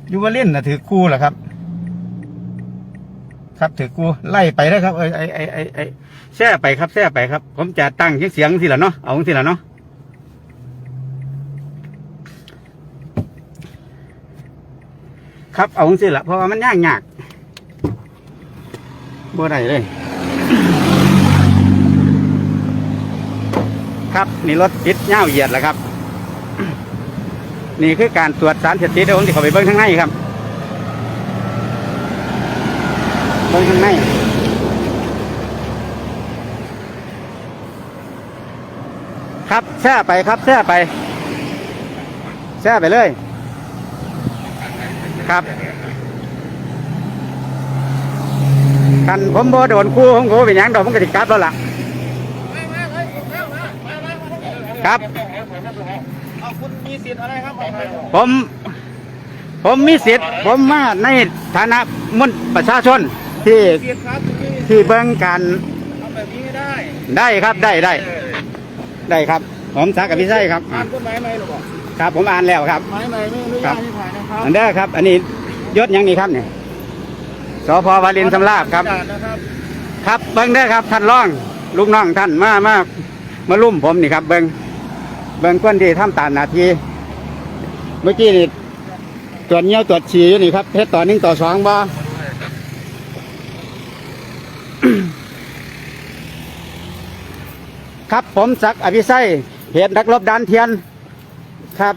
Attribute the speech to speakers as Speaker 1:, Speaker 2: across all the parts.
Speaker 1: ยูวาเล่นนะถือคู่เหรอครับครับถือคู่ไล่ไปได้ครับแช่ไปครับแช่ไปครับผมจะตั้งเสียงสิละเนาะเอาสิละเนาะครับเอาสิละเพราะว่ามันยากบ่ได้เลยครับนี่รถติดเง่าเหยียดแล้วครับนี่คือการตรวจสารเสพติดเดี๋ยวผมจะเข้าไปเบิ้งข้างในครับเบิ้งข้างในครับแช่ไปครับแช่ไปแช่ไปเลยครับกันผมบ่โดนคู่ผมโง่เป็นยังดอกผมกระดิกกลับแล้วล่ะครับคุณมีสิทธิ์อะไรครับผมมีสิทธิ์ผมมาในฐานะมนุษย์ประชาชนที่เบิ่งการได้ครับได้ครับผมสักกับพี่ไส้ครับอ่านกฎหมายไหมหรือเปล่าครับผมอ่านแล้วครับครับอันเด้อครับอันนี้ยศยังนี่ครับเนี่ยสพ.วารินชำราบครับครับเบิ่งเด้อครับท่านรองลูกน้องท่านมาลุ่มผมนี่ครับเบิ่งคนที่ทำตามหน้าที่เมื่อกี้นี่ตรวจเงี้ยวตรวจฉี่อยู่นี่ครับเทสต่อ1 ต่อ 2บ่ครับผมศักดิ์อภิไสยเหตุนักรบด่านเทียนครับ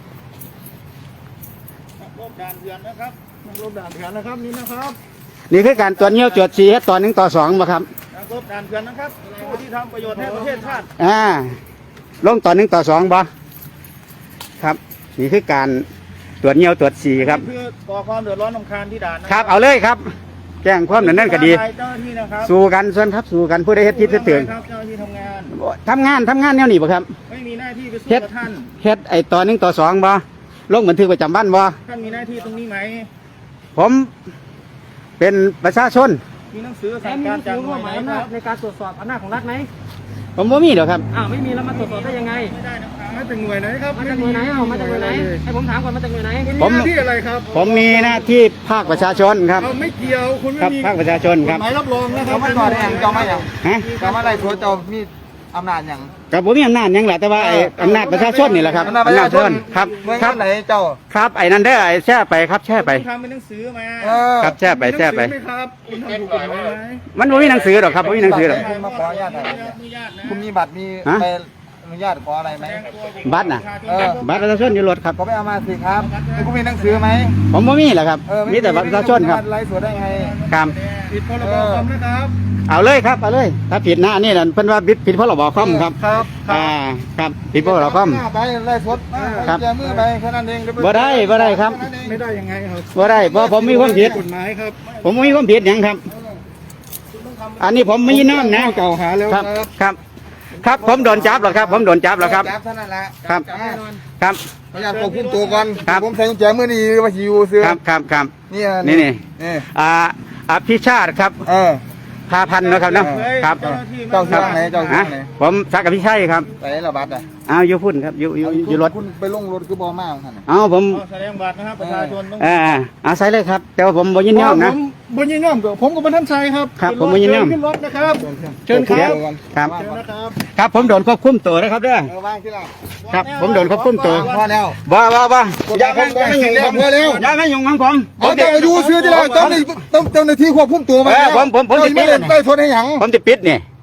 Speaker 1: นักรบด่านเทียนนะครับนักรบด่านเทียนนะครับนี่นะครับนี่คือการตรวจเงี้ยวตรวจฉี่เทสต่อ1 ต่อ 2บ่ครับนักรบด่านเทียนนะครับผู้ที่ทำประโยชน์ให้ประเทศชาติลงต่อ1 ต่อ 2บ่ครับนี่คือการตรวจเงี้ยวตรวจฉี่ครับเพื่อก่อความเดือดร้อนรำคาญที่ด่านครับเอาเลยครับแจ้งความนั่นก็ดีสู้กันส่วนครับสู้กันผู้ใดเฮ็ดผิดตื่นเจ้าหน้าที่ทำงานแนวนี้บ่ครับไม่มีหน้าที่ไปสู้กับท่านเฮ็ดต่อ1 ต่อ 2บ่ลงบันทึกประจำวันบ่ท่านมีหน้าที่ตรงนี้ไหมผมเป็นประชาชนมีหนังสือสั่งการจากหน่วยไหนครับในการตรวจสอบอำนาจของรัฐไหมผมบ่มีหรอกครับไม่มีแล้วมาตรวจสอบได้ยังไงไม่ได้นะครับมาจากหน่วยไหนครับมาจากหน่วยไหนมาจากหน่วยไหนให้ผมถามก่อนมาจากหน่วยไหนผมมีหน้าที่อะไรครับผมมีหน้าที่ภาคประชาชนครับไม่เกี่ยวคุณไม่มีภาคประชาชนครับหมายรับรองนะครับไม่ต่อได้ยังเจ้าไม่ยังเจ้าอะไรตัวเจ้ามีอำนาจยังกับผมมีอำนาจยังแหละแต่ว่าอำนาจประชาชนนี่แหละครับอำนาจประชาชนครับครับไหนเจ้าครับไอ้นั่นได้แช่ไปครับแช่ไปทำเป็นหนังสือมาครับแช่ไปครับมันไม่มีหนังสือหรอกครับไม่มีหนังสือหรอกมาขออนุญาตคุณมีบัตรมีใบอนุญาตขออะไรไหมบัตรน่ะบัตรประชาชนอยู่รถครับก็ไปเอามาสิครับคุณมีหนังสือไหมผมไม่มีแหละครับมีแต่บัตรประชาชนครับไล่สวดได้ไงครับผิดพรบคอมนะครับเอาเลยครับเอาเลยถ้าผิดนะนี่นั่นเพิ่นว่าผิดพรบคอมครับครับผิดพรบคอมไปไล่สวดครับมือไปแค่นั้นเองบ่ได้ครับไม่ได้ยังไงครับบ่ได้เพราะผมมีความผิดกฎหมายครับผมมีความผิดยังครับอันนี้ผมไม่ยินน้อมนะเก่าหาแล้วครับผมโดนจับหรอครับผมโดนจับหรอครับจับเท่านั้นแหละครับพยายามควบคุมตัวก่อนผมใส่กุญแจมือนี่ว่าชิวเสือครับนี่พี่ชาติครับพาพันนะครับเนาะครับเจ้าชื่อไหนเจ้าชื่อไหนผมสักกับพี่ชัยครับใส่ระบาดอยู่พุ่นครับอยู่รถคุณไปลงรถคือบอมากท่านผมแสดงบัตรนะครับประชาชนต้องใส่เลยครับแต่ว่าผมบ่ยินยอมนะบ่ยินยอมกับผมกับท่านชัยครับผมบ่ยินยอมขึ้นรถนะครับเชิญครับผมโดนควบคุมตัวนะครับเด้อครับผมโดนควบคุมตัวพอแล้วบ้าอย่าไม่ยุ่งแล้วพอแล้วอย่าไม่ยุ่งของผมเจ้าอยู่ซื้อที่เราเจ้าหน้าที่ควบคุมตัวมาผมจะปิดได้ทนให้หยังผมจะปิดเนี่ย